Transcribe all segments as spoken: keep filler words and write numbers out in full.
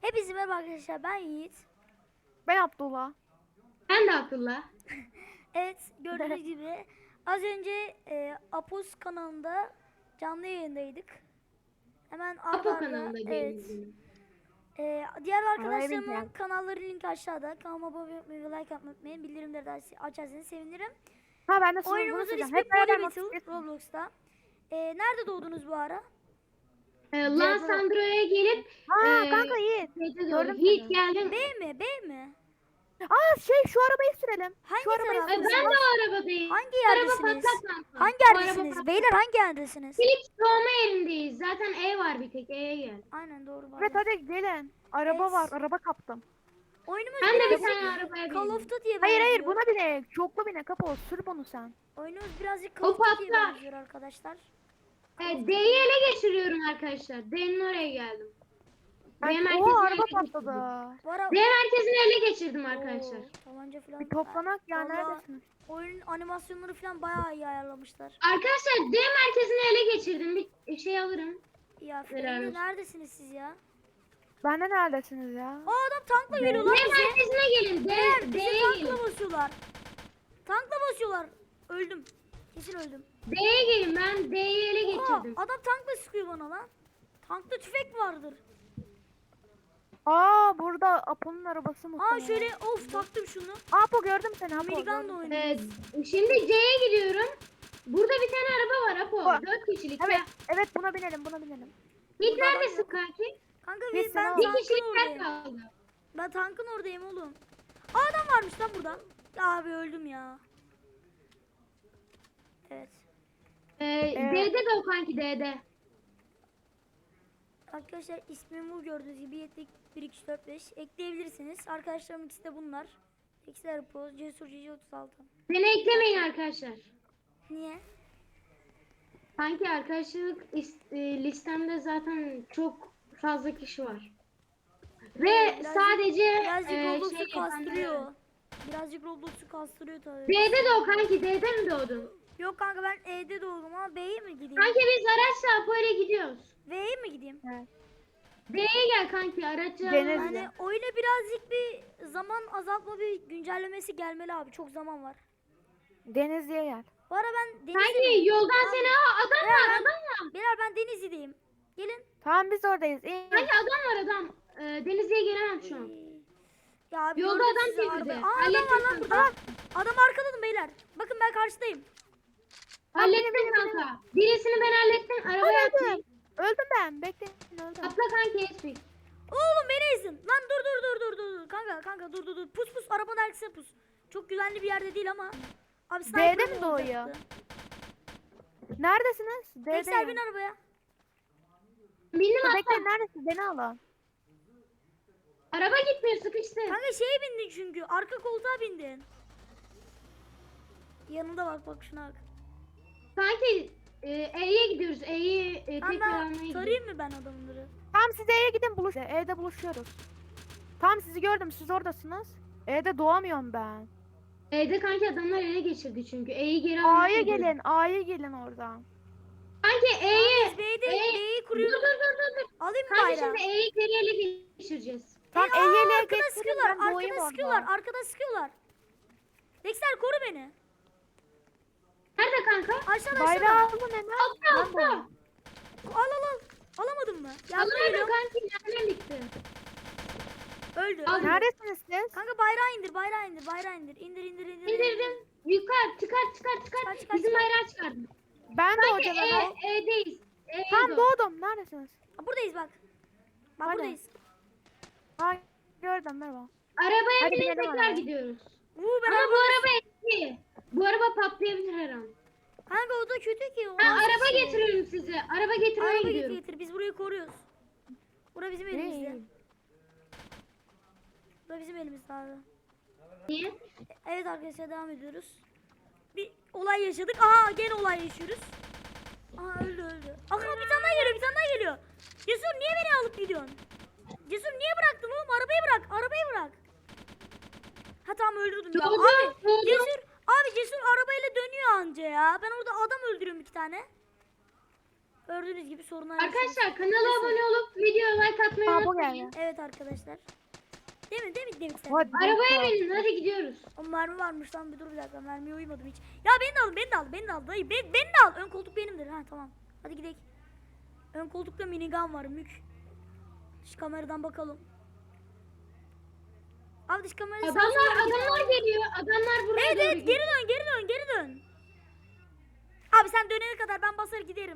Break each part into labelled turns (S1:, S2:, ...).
S1: Hepinize merhaba arkadaşlar, ben Yiğit.
S2: Ben Abdullah.
S3: Ben de Abdullah.
S1: Evet, gördüğünüz gibi az önce e, Apos kanalında canlı yayındaydık. Hemen arda
S3: Apo
S1: arda,
S3: kanalında
S1: evet.
S3: yayınlanıyor.
S1: E, diğer arkadaşlarımın
S2: bilmiyorum.
S1: kanalları linki aşağıda. Kanalıma abone olmayı ve like atmayı unutmayın. Bildirimleri de aç- açarsanız sevinirim.
S2: Ha ben de sana bunu
S1: Oyunumuzun
S2: söyleyeceğim.
S1: ismi
S2: Hep beraber
S1: Poly Battle
S2: motosiklet-
S1: Roblox'ta. E, nerede doğdunuz bu ara?
S3: Ee, Lan Sandro'ya gelip
S2: Ha
S3: e,
S2: kanka iyi.
S3: şeyde doğru.
S2: Gördüm
S3: Hiç
S2: seni.
S3: geldim.
S1: B mi? B mi?
S2: Aa şey şu arabayı sürelim.
S1: Hangi
S2: Şu arabayı
S1: taraf?
S3: Ee,
S2: sürelim.
S3: ben de o arabadayım.
S1: Hangi
S3: Bu araba
S1: yerdesiniz?
S3: patlak kanka.
S1: Hangi
S3: Bu araba
S1: yerdesiniz?
S3: patlak.
S1: Beyler hangi yerdesiniz?
S3: Philips doğma yerindeyiz. Zaten E var bir tek. E'ye gel.
S1: Aynen doğru.
S2: Evet
S1: pardon.
S2: hadi gelin. Araba
S1: Evet.
S2: var. Araba kaptım.
S1: Oyunumuz
S3: Ben de bir
S1: birazcık
S3: tane arabaya
S1: Call
S3: bindim.
S1: of Duty'ye
S2: Hayır hayır
S1: benziyor.
S2: buna bine. Çoklu bine kapı. Sür bunu sen.
S1: Oyunumuz birazcık Call
S3: O
S1: of Duty'ye
S3: patlar.
S1: benziyor arkadaşlar.
S3: Evet, D'yi ele geçiriyorum arkadaşlar. D'nin oraya geldim. D
S2: Ben,
S3: merkezini
S2: oha
S3: ele
S2: araba
S3: geçirdim.
S2: patladı.
S1: Bu ara...
S3: D merkezini ele geçirdim arkadaşlar.
S1: Oo, tabanca falan.
S2: Bir toplanak ya
S1: Vallahi
S2: neredesiniz?
S1: Oyunun animasyonları falan bayağı iyi ayarlamışlar.
S3: Arkadaşlar D merkezini ele geçirdim. Bir şey alırım.
S1: Ya
S3: Helal
S1: Freddy,
S3: olsun.
S1: neredesiniz siz ya?
S2: Ben de neredesiniz ya?
S1: Aa adam tankla
S3: D
S1: geliyor lan bize.
S3: merkezine gelin. D,
S1: Beyler bizi
S3: D'ye
S1: tankla
S3: gelin.
S1: basıyorlar. Tankla basıyorlar. Öldüm. Kesin öldüm.
S3: D'ye gelin. Ben D'yi ele
S1: Aa,
S3: geçirdim.
S1: adam tankla sıkıyor bana lan. Tankta tüfek vardır.
S2: Aa burada Apo'nun arabası mı?
S1: Aa şöyle of taktım şunu.
S2: Apo gördüm seni Apo.
S1: Amerikan da
S2: gördüm seni.
S1: oynuyor.
S3: Evet. Şimdi C'ye gidiyorum. Burada bir tane araba var Apo.
S2: Aa,
S3: Dört kişilik.
S2: Evet
S3: Ya.
S2: evet buna binelim buna binelim.
S3: Git
S1: Burada adam
S3: neredesin
S1: yok.
S3: kanki?
S1: Kanka
S2: Biz
S1: biz, ben
S2: sana-
S3: Bir
S1: tankın
S3: kişilik yer
S1: oradayım.
S3: kaldı.
S1: Ben tankın oradayım oğlum. Aa, adam varmış lan burada. Ya abi öldüm ya. Evet.
S3: Ee,
S2: Ee,
S3: D'de de o kanki D'de.
S1: Arkadaşlar ismim bu gördüğünüz gibi yetlik bir iki üç dört beş ekleyebilirsiniz. Arkadaşlarım ikisi de bunlar. İkisi de Arpoz, Cesur Cici otuz altı.
S3: Beni eklemeyin arkadaşlar.
S1: Niye?
S3: Kanki arkadaşlık is- e, listemde zaten çok fazla kişi var. Ve
S1: Birazcık-
S3: sadece
S1: Birazcık
S3: e,
S1: Roblox'u
S3: şey
S1: kastırıyor. Birazcık Roblox'u kastırıyor tabii.
S3: D'de de o kanki D'de mi doğdun?
S1: Yok kanka ben E'de doğdum ama B'ye mi gideyim?
S3: Kanki biz araçla böyle gidiyoruz.
S1: V'ye mi gideyim?
S2: Evet.
S3: D'ye gel kanki araçla.
S2: Deniz-
S1: Yani oyuna birazcık bir zaman azaltma bir güncellemesi gelmeli abi. Çok zaman var.
S2: Denizli'ye gel.
S1: Bu ara ben
S3: Kanki
S1: Denizli'deyim.
S3: yoldan seni Aa, adam
S1: Ya
S3: var
S1: ben-
S3: adam var.
S1: Beyler ben Denizli'deyim. Gelin.
S2: Tamam biz oradayız. İyi.
S3: Kanki adam var adam. Ee, Denizli'ye gelemem şu an.
S1: Ya abi
S3: Yolda
S1: gördüm
S3: adam
S1: sizi
S3: çevirdi.
S1: arabaya. Aa adam
S3: Hallettim
S1: var lan
S3: kanka.
S1: burada. Adam arkadadım beyler. Bakın ben karşıdayım.
S3: Hallettim kanka. Birisini ben hallettim. Arabaya
S2: Öldüm.
S3: atayım.
S2: Öldüm ben. Bekleyin öldüm.
S3: Atla kanki Espik.
S1: Oğlum beni ezin. Lan dur dur dur dur dur. dur. Kanka kanka dur dur dur. Pus pus arabanın arkasına pus. Çok güvenli bir yerde değil ama. Abi sniper
S2: D'de mi
S1: mi
S2: doğuyor?
S1: olacaktı?
S2: Neredesiniz?
S1: Veysel bin
S2: D'deyim.
S1: arabaya.
S3: Bindim atla.
S2: Bekleyin neredesin? Beni alın.
S3: Araba gitmiyor sıkıştı.
S1: Kanka şeye bindin çünkü. Arka koltuğa bindin. Yanında bak bak şuna bak.
S3: Kanki e, E'ye gidiyoruz. E'yi e, tekrar
S1: Kanka
S3: almaya gidiyoruz.
S1: tarayayım mı ben adamları?
S2: Tamam siz E'ye gidin buluş. E'de buluşuyoruz. Tamam sizi gördüm siz oradasınız. E'de doğamıyorum ben.
S3: E'de kanki adamlar ele geçirdi çünkü. E'yi geri almaya
S2: A'ya
S3: gidiyoruz.
S2: gelin. A'ya gelin oradan.
S3: Kanki E'ye.
S1: Biz B'de
S3: E-
S1: B'yi
S3: Dur
S1: kuruyoruz.
S3: dur dur dur. dur.
S1: Alayım mı
S3: Kanki
S1: bayrağı?
S3: şimdi E'yi geri ele geçireceğiz.
S2: Tamam
S1: Ey, aa,
S2: E'ye ele
S1: arkada
S2: geçirin
S1: sıkıyorlar,
S2: ben doğayım
S1: arkada
S2: orada.
S1: sıkıyorlar, arkada sıkıyorlar. Dexter koru beni.
S3: Nerede kanka?
S1: Aşağıda
S2: Bayrağı
S1: aşağıda.
S2: alın hemen.
S3: Altta
S2: Ben
S3: altta.
S2: doğayım.
S1: Al al al. Alamadın mı? Yardım
S3: Alamadım
S1: ediyorum.
S3: kanki. Nereden bitti?
S1: Öldü.
S3: Al.
S1: öldü.
S2: Neredesiniz siz?
S1: Kanka bayrağı indir, bayrağı indir, bayrağı indir. İndir indir indir.
S3: İndirdim. Yukarı çıkar çıkar çıkar.
S1: Çıkar, çıkar,
S3: Bizim
S1: çıkar.
S3: bayrağı çıkardım.
S2: Ben de
S3: Kanki
S2: hocalarım.
S3: E, E'deyiz. E'ye
S2: Tamam
S3: doğru.
S2: doğdum. Neredesiniz?
S1: Ha, buradayız bak. Bak
S2: Hadi.
S1: buradayız.
S2: Ha gördüm merhaba.
S3: Arabaya
S2: Hadi
S3: binip
S2: binelim
S3: tekrar
S2: arabaya.
S3: gidiyoruz.
S1: Uuu ben
S3: Ama bu
S1: araba...
S3: araba eski. Bu araba patlayabilir her an.
S1: Kanka o da kötü ki. o
S3: Ben
S1: nasıl
S3: araba
S1: şey?
S3: getiriyorum size. Araba getirmeye
S1: Araba getir
S3: gidiyorum.
S1: getir. Biz burayı koruyoruz. Bura bizim elimizde. Bura bizim elimizde abi.
S3: Niye?
S1: Evet arkadaşlar devam ediyoruz. Bir olay yaşadık. Aha gene olay yaşıyoruz. Aha öldü öldü. Aha bir tane daha geliyor bir tane daha geliyor. Cesur niye beni alıp gidiyorsun? Cesur niye bıraktın oğlum? Arabayı bırak arabayı bırak. Ha tamam öldürdüm ya.
S3: Doğdu,
S1: Abi
S3: doğdu.
S1: Cesur abi Cesur arabayla dönüyor anca ya. Ben orada adam öldürüyorum iki tane. Gördüğünüz gibi sorunlar yaşıyoruz.
S3: Arkadaşlar kanala abone olup videoya like atmayı
S2: Aa, bu
S3: unutmayın.
S2: geldi.
S1: Evet arkadaşlar. Değil mi? Değil mi? Değil mi? Sen?
S2: Hadi.
S3: Arabaya binin hadi gidiyoruz.
S1: O mermi varmış lan, bir dur bir dakika, mermiye uymadım hiç. Ya beni de al, beni de al, beni de al dayı, beni, beni de al. Ön koltuk benimdir. Ha tamam. Hadi gidelim. Ön koltukta minigun var, mük. Dış kameradan bakalım. Abi dış kamerayı
S3: Adamlar adamlar geliyor. Adamlar buraya
S1: Evet
S3: doğru
S1: evet,
S3: gidiyor.
S1: geri dön, geri dön, geri dön. Abi sen dönene kadar ben basar giderim.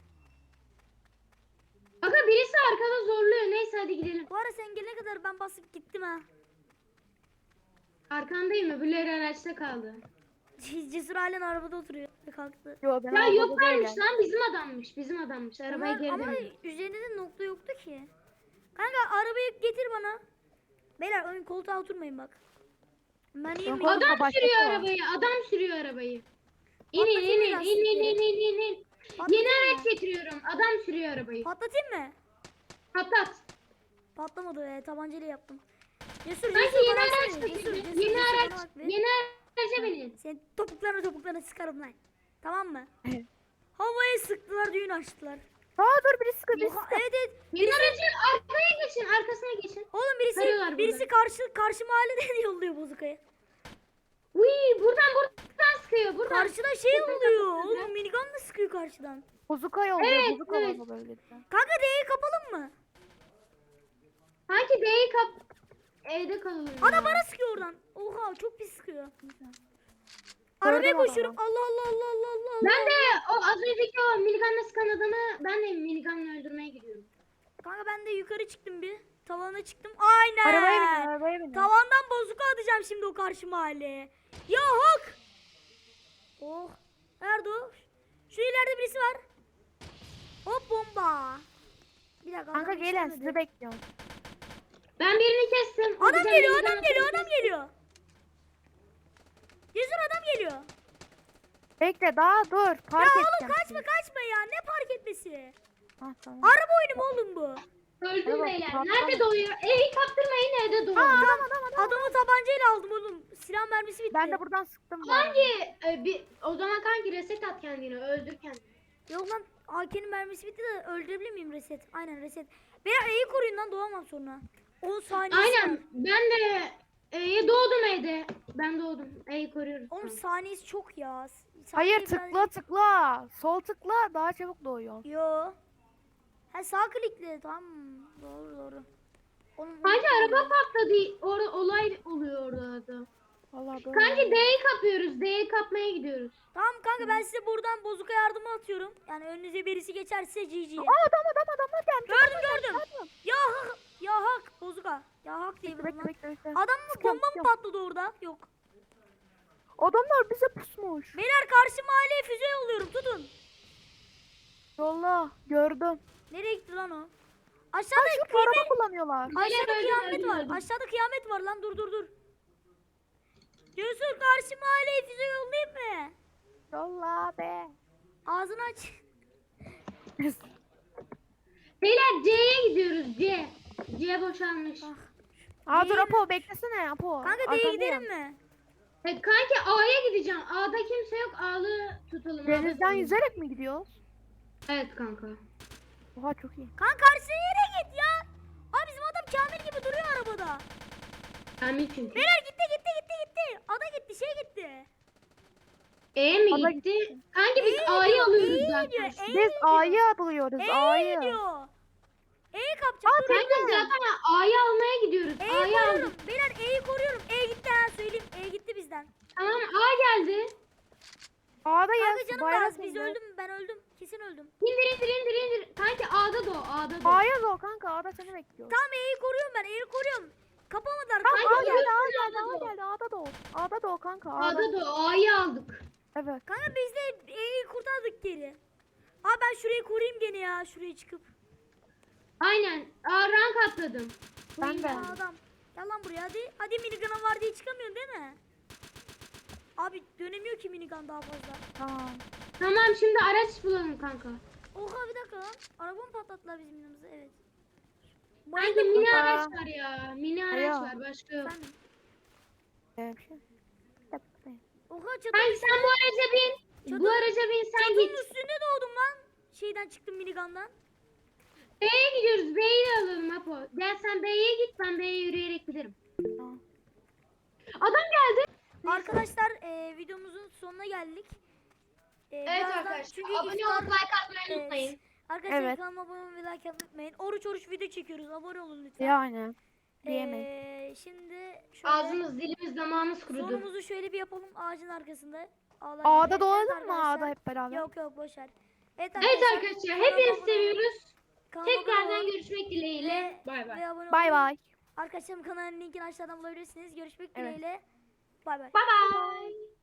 S3: Aga birisi arkada zorluyor. Neyse hadi gidelim.
S1: Bu ara sen gelene kadar ben basıp gittim ha.
S3: Arkandayım öbürleri araçta kaldı.
S1: Cesur halen arabada oturuyor. Kalktı.
S2: Yo, ben
S3: Ya
S2: arabada
S3: yoklarmış
S2: değilim.
S3: lan bizim adammış. Bizim adammış. Arabaya
S1: Ama,
S3: geri
S1: ama
S3: döndü.
S1: üzerinde de nokta yoktu ki. Kanka arabayı getir bana. Beyler ön koltuğa oturmayın bak. Ben iyi
S2: Ön
S1: miyim?
S2: koltuğa
S3: Adam
S2: başkası
S3: sürüyor
S2: var.
S3: arabayı. Adam sürüyor arabayı. İnin
S1: Patlatayım
S3: inin
S1: mı
S3: in in
S1: lastikleri?
S3: in in in in.
S1: Patlatayım
S3: Yeni
S1: mı?
S3: araç getiriyorum. Adam sürüyor arabayı.
S1: Patlatayım mı?
S3: Patlat.
S1: Patlamadı e, tabancayla yaptım. Cesur,
S3: Sanki
S1: Cesur
S3: yeni
S1: bana
S3: araç
S1: baksana. Cesur,
S3: getirdi.
S1: Cesur,
S3: Yeni
S1: Cesur,
S3: araç.
S1: bana bak be.
S3: Yeni araca binin.
S1: Senin topuklarına topuklarına sıkarım lan. Tamam mı?
S2: Evet.
S1: Havaya sıktılar, düğün açtılar.
S2: Aa dur, biri sıkı biri
S1: Oha,
S2: sıkı.
S1: evet evet.
S3: Yeni aracın arkaya geçin. Arkasına geçin.
S1: Oğlum birisi
S3: Sarıyorlar
S1: birisi
S3: burada.
S1: karşı karşı mahalleden yolluyor bozukayı.
S3: Uy buradan buradan sıkıyor. Buradan.
S1: Karşıda şey
S3: Buradan
S1: oluyor.
S3: sıkıyor.
S1: Oğlum minigun da sıkıyor karşıdan.
S2: Bozuka yolluyor.
S3: Evet,
S2: Bozuka
S3: evet.
S2: var böyle.
S1: Kanka D'yi kapalım mı?
S3: Sanki D'yi kap evde kalıyor.
S1: Ana bana sıkıyor oradan. Oha çok pis sıkıyor. Arabaya
S2: adamı.
S1: koşuyorum. Allah Allah Allah Allah Allah.
S3: Ben de o az önceki o minigunla sıkan adamı ben de minigunla öldürmeye gidiyorum.
S1: Kanka ben de yukarı çıktım bir. Tavana çıktım. Aynen.
S2: Arabaya binin, arabaya binin.
S1: Tavandan bozuka atacağım şimdi o karşı mahalleye. Ya hak. Oh. Nerede o? Şu ileride birisi var. Hop bomba. Bir dakika.
S2: Kanka
S1: adam
S2: gelin,
S1: yetişemedi.
S2: sizi bekliyorum.
S3: Ben birini kestim.
S1: Adam
S3: Hocam
S1: geliyor,
S3: minigun
S1: adam geliyor,
S3: atıyor.
S1: adam geliyor. Cesur adam geliyor.
S2: Bekle daha dur.
S1: Ya
S2: Park
S1: oğlum
S2: edeceğim
S1: kaçma
S2: sizi.
S1: kaçma ya. Ne park etmesi?
S2: Ha, tamam.
S1: Araba oyunu mu oğlum bu?
S3: Öldüm
S2: Merhaba,
S3: beyler.
S2: patladı.
S3: Nerede doğuyor? Evi kaptırmayın evde doğuyor.
S2: Adam adam adam.
S1: Adamı tabancayla aldım oğlum. Silah mermisi bitti.
S2: Ben de buradan sıktım. bu arada.
S3: Hangi e, bir o zaman kanki reset at kendini öldür kendini.
S1: Yok lan A K'nin mermisi bitti de öldürebilir miyim reset? Aynen reset. Beyler E'yi koruyun lan, doğamam sonra. on saniyesi var.
S3: Aynen ben de e, doğdum evde. Ben doğdum. E'yi koruyoruz.
S1: Oğlum
S3: Tamam.
S1: saniyesi çok ya.
S2: Hayır,
S1: Saniye
S2: tıkla tıkla. Sol tıkla, daha çabuk doğuyor.
S1: biraz- Yo. Ha sağ klikle, tamam. Doğru doğru. Oğlum,
S3: Kanki araba patladı. Orada olay oluyor orada da.
S2: Vallahi doğru.
S3: Kanki D'yi kapıyoruz. D'yi kapmaya gidiyoruz.
S1: Tamam kanka ben size buradan bozuka yardımı atıyorum. Yani önünüze birisi geçerse G G.
S2: Aa, adam adam adamlar gelmiş.
S1: Gördüm
S2: adamlar
S1: gördüm.
S2: gelmiş, adam.
S1: Ya hak, ya hak bozuka. Ya hak diye
S2: Bekle
S1: vurdum
S2: bekle
S1: lan.
S2: bekle. bekle.
S1: Adam mı
S2: Sıkıyorum,
S1: bomba mı
S2: sıkıyorum.
S1: patladı orada? Yok.
S2: Adamlar bize pusmuş.
S1: Beyler karşı mahalleye füze yolluyorum, tutun.
S2: Yolla, gördüm.
S1: Nereye gitti lan o?
S2: Ha,
S1: Aşağıda
S2: şu
S1: kıyamet,
S2: araba kullanıyorlar.
S1: aşağıda
S3: Öldüm,
S1: kıyamet
S3: öldüm,
S1: var.
S3: öldüm.
S1: Aşağıda kıyamet var lan, dur dur dur. Cesur karşı mahalleye füze yollayayım mı?
S2: Yolla be.
S1: Ağzını aç.
S3: Beyler C'ye gidiyoruz C. C boşalmış.
S1: Bak.
S2: Aa dur
S1: Değil.
S2: Apo, beklesene Apo.
S1: Kanka D'ye
S2: Arkandayım.
S1: gidelim mi?
S3: E, kanki A'ya gideceğim. A'da kimse yok. A'lı tutalım. A'da
S2: Denizden
S3: tutalım.
S2: yüzerek mi gidiyoruz?
S3: Evet kanka.
S2: Oha çok iyi.
S1: Kanka karşıya yere git ya. Abi bizim adam Kamil gibi duruyor arabada.
S3: Kamil çünkü.
S1: Beyler gitti gitti gitti gitti. Ada gitti, şey gitti.
S3: E mi
S2: Ada
S3: gitti? Kanki biz
S1: E'ye
S3: A'yı
S1: gidiyor,
S3: alıyoruz
S1: E'ye
S3: zaten.
S1: gidiyor, E'ye
S2: Biz
S1: gidiyor.
S2: A'yı alıyoruz,
S1: E'ye
S2: A'yı.
S1: gidiyor. E'yi kapacak.
S2: Aa,
S1: dur.
S3: Kanki zaten A'yı almaya gidiyoruz.
S1: E'yi
S3: A'yı
S1: koruyorum.
S3: aldık.
S1: Beyler E'yi koruyorum. E gitti ha, söyleyeyim. E gitti bizden.
S3: Tamam A geldi.
S2: A'dayız.
S1: Kanka canım
S2: bayrak
S1: lazım. Biz
S2: indi.
S1: öldüm. Ben öldüm. Kesin öldüm.
S3: İndir indir indir indir. Kanki A'da doğ. A'da doğ.
S2: A'ya doğ kanka, A'da seni bekliyor.
S1: Tamam E'yi koruyorum ben. E'yi koruyorum. Kapamadılar.
S2: Tamam, A
S3: Kanka,
S2: geldi, A
S3: yürüsün,
S2: geldi,
S3: A'da
S2: A
S3: doğ.
S2: geldi, A'da doğ. A'da doğ kanka, A'da.
S3: A'da doğ. A'yı aldık.
S2: Evet.
S1: Kanka biz de E'yi kurtardık geri. Abi ben şurayı koruyayım gene ya. Şuraya çıkıp.
S3: Aynen. A rank atladım.
S2: Ben de.
S1: Ya adam. Gel lan buraya hadi. Hadi minigun'a var diye çıkamıyorsun değil mi? Abi dönemiyor ki minigun daha fazla.
S2: Tamam.
S3: Tamam şimdi araç bulalım kanka.
S1: Oha bir dakika lan. Araba mı patlattılar bizim yanımıza? Evet.
S3: Kanki mini
S2: kanka.
S3: araç var ya. Mini araç
S2: Alo.
S3: var. Başka yok.
S1: Efendim?
S2: Ee, bir şey. Bir dakika, bir dakika.
S1: Oha çatı.
S3: Kanki sen bu araca bin. Bu
S1: Çatı-
S3: araca bin sen
S1: Çatının
S3: git.
S1: üstünde doğdum lan. şeyden çıktım minigun'dan.
S3: B'ye gidiyoruz. B'yi de alalım Apo. Gel sen B'ye git, ben B'ye yürüyerek giderim.
S2: Tamam.
S3: Adam geldi.
S1: Arkadaşlar e, videomuzun sonuna geldik. E,
S3: Evet
S1: birazdan-
S3: arkadaşlar.
S1: çünkü
S3: Abone
S1: iftar-
S3: olup like atmayı
S1: Evet.
S3: unutmayın.
S1: Arkadaşlar
S2: Evet.
S1: kanalıma abone olmayı, like atmayı unutmayın. Oruç oruç video çekiyoruz. Abone olun lütfen.
S2: Yani. Diyemeyin.
S1: Ee, şimdi şöyle
S3: Ağzımız, dilimiz, damağımız kurudu.
S1: sonumuzu şöyle bir yapalım ağacın arkasında. Ağlar
S2: A'da
S1: gibi.
S2: dolanalım
S1: Evet
S2: mı
S1: arkadaşlar.
S2: A'da hep beraber?
S1: Yok yok boşver. Evet
S3: Evet
S1: arkadaşlar.
S3: arkadaşlar,
S1: kanalıma
S3: hepinizi
S1: abone olun.
S3: seviyoruz.
S1: Kanalıma abone
S3: Tekrardan
S1: olun.
S3: görüşmek dileğiyle. Bay bay.
S1: Ve abone
S2: Bay
S1: olun.
S2: bay.
S1: Arkadaşlarım kanalın linkini aşağıdan bulabilirsiniz. Görüşmek
S2: Evet.
S1: dileğiyle. Bay bay.
S3: Bay bay.